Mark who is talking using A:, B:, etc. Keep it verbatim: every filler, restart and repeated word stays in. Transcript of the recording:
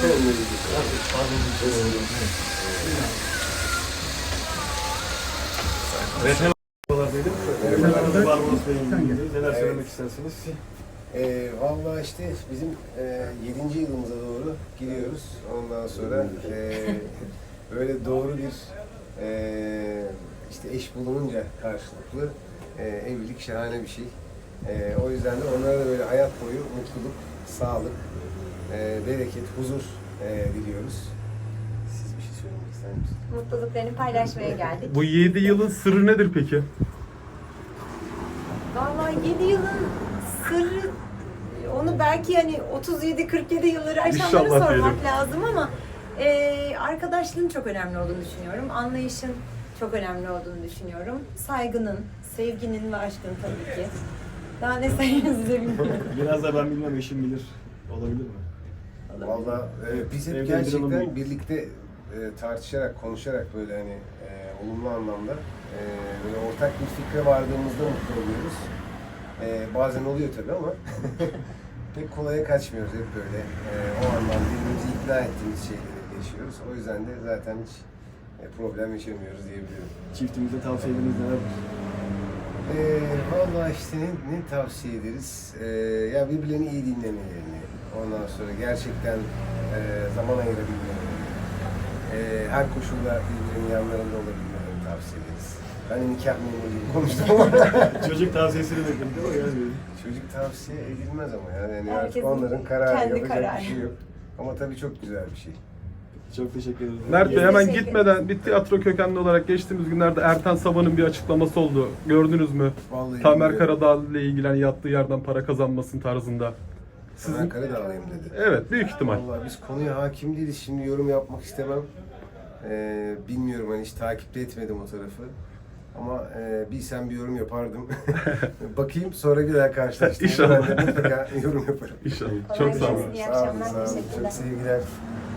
A: Evet, Barbaros Bey'in günündeyiz. Neler söylemek istersiniz?
B: E, Valla işte bizim e, yedinci yılımıza doğru giriyoruz. Ondan sonra e, böyle doğru bir e, işte eş bulununca karşılıklı e, evlilik şahane bir şey. E, o yüzden de onlara da böyle hayat boyu mutluluk, sağlık, e, bereket, huzur e, diliyoruz. Siz bir şey söylemek ister misiniz?
C: Mutluluklarını paylaşmaya geldik.
D: Bu yedi yılın sırrı nedir peki?
C: Vallahi yedi yılın sırrı, onu belki hani otuz yedi kırk yedi yılları aşanlara
D: İnşallah
C: sormak
D: diyelim.
C: lazım ama e, arkadaşlığın çok önemli olduğunu düşünüyorum. Anlayışın çok önemli olduğunu düşünüyorum. Saygının, sevginin ve aşkın tabii ki. Daha ne sayınız size bilmiyorum.
A: Biraz da ben bilmem, eşim bilir. Olabilir mi?
B: Valla e, biz hep
A: Evde
B: gerçekten
A: bir
B: birlikte e, tartışarak, konuşarak böyle hani e, olumlu anlamda e, böyle ortak bir fikre vardığımızda mutlu oluyoruz. E, bazen oluyor tabii ama pek kolaya kaçmıyoruz hep böyle. E, o anlamda birbirimizi ikna ettiğimiz şeyleri yaşıyoruz. O yüzden de zaten hiç e, problem yaşamıyoruz diyebilirim.
A: Çiftimize tavsiyeleriniz neler?
B: E, Valla işte ne, ne tavsiye ederiz? E, ya birbirlerini iyi dinlemelerini, ondan sonra gerçekten e, zaman ayırabilmelerini, e, her koşulda birbirinin yanlarında olabilmelerini tavsiye ederiz. Ben nikah memuru gibi konuştum ama
A: Çocuk tavsiyesini bekledim değil mi? Yani
B: çocuk tavsiye edilmez ama yani, yani artık
C: Herkesin
B: onların kararı,
C: kendi
B: yapacak
C: kararı.
B: bir şey yok. Ama tabii çok güzel bir şey.
A: çok teşekkür ederim.
D: Mert Bey
C: Biz
D: hemen
C: teşekkür
D: gitmeden bir tiyatro kökenli olarak geçtiğimiz günlerde Ertan Saban'ın bir açıklaması oldu. Gördünüz mü?
B: Vallahi
D: Tamer
B: bilmiyorum.
D: Karadağ ile ilgilen yattığı yerden para kazanmasın tarzında.
B: Sizin
D: Sizin...
B: Karadağlıyım dedi.
D: Evet, büyük ihtimal.
B: Vallahi biz konuya hakim değiliz. Şimdi yorum yapmak istemem. Ee, bilmiyorum, hani hiç takipte etmedim o tarafı. Ama e, bilsem bir yorum yapardım. Bakayım, sonra bir daha karşılaştığımda
D: İnşallah.
B: ben de mutlaka yorum yaparım.
D: İnşallah.
C: Kolay
D: Çok sağ olun.
C: gelsin. İyi
B: Sağ olun,
C: akşamlar.
B: sağ olun.
C: Teşekkürler.
B: Çok sevgiler.